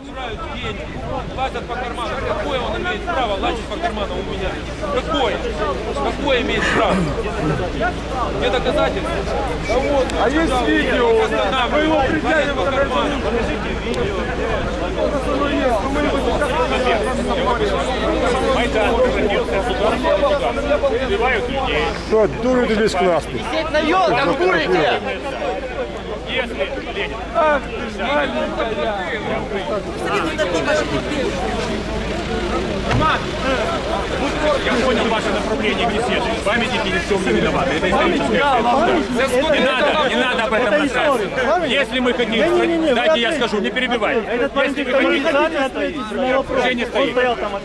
Собирают деньги, платят по карману. Какое он имеет право лазить по карману у меня? Какое? Какое имеет право? Где доказательства? Да вот, а есть видео, вы его притягиваете по карману. Убивают людей. Что, дуры ты бесклассный? Сидеть на елках будете! Если Ленин. Ах ты ж маленькая. Я понял ваше направление беседы. Памятники ни в чем не виноваты. Это историческая. Не надо об этом рассказывать. Если мы хотим... Дайте я скажу, не перебивайте. Если вы хотите... Уже не стоит.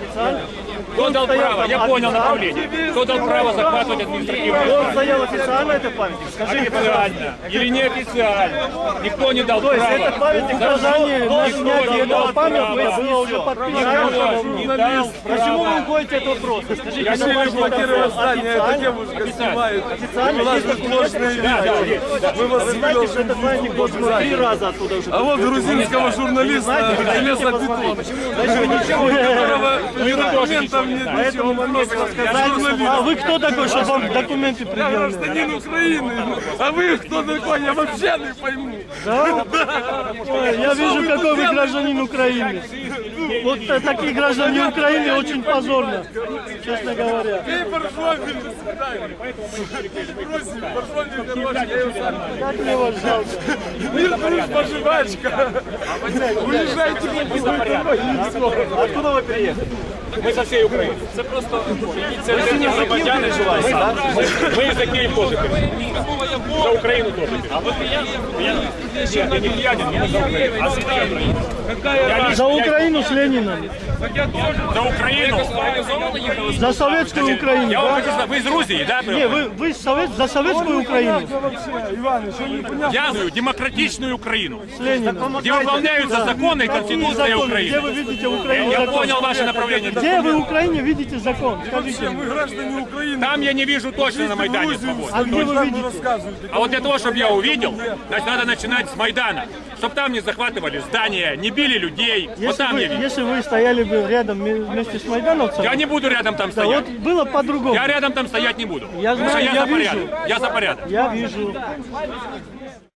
Кто дал право? Я понял направление. Кто дал право захватывать административную Он стоял официально, это памятник? Скажите, официально или неофициально? Никто не дал то есть права. этот памятник граждане на снятие этого памятника было уже подписано. Не дал Почему вы права. уходите от вопроса? Скажите, Я не блокировал здание, эта девушка снимает. официально У нас есть тут ложные видео. Мы вас Вы знаете, что этот памятник должен 3 раза оттуда уже. А вот грузинского журналиста железобетон, которого ни документов нет, ничего, он просто журналист. А вы кто такой, чтобы вам документы Я предъявили? гражданин Украины, а вы кто такой, я вообще не пойму. Да? Ой, я вижу, какой вы гражданин Украины. Вот такие граждане Украины очень позорно, честно говоря. Эй, Баршовин, до свидания. Бросим, Баршовин, короче, я его сам. Как мне вас жалко. Мир, дружба, жвачка. Уезжайте в другой Откуда вы приехали? Мы со всей Украины. Это просто инициативные громадяне желают. Мы за Киев тоже пишем. За Украину тоже пишем. А вы пьяный? Нет, я не пьяный, я за Украину. А за Украину? За Украину с Лениным. За Украину? За советскую Украину. Я вам Да? хочу сказать, вы из Грузии, да? Не, вы за советскую Украину. Иван, еще не понятно. Я за демократичную Украину, С Лениным. где выполняются законы и Конституция Где Украины. вы видите в Украине Я закон? понял ваше направление. Где вы в Украине видите закон? Скажите Вообще, мне. вы граждане Украины. Там я не вижу точно на Майдане свободы. А где вы видите? Рассказывайте. А вот для того, чтобы я увидел, значит, надо начинать с Майдана. Чтобы там не захватывали здания, не били людей. Вот там я видел. Если вы стояли бы рядом вместе с майдановцами, Я не буду рядом там да вот стоять. было по-другому. Я рядом там стоять не буду. Я Потому что знаю, я я за порядок. вижу. Я за порядок. Я вижу.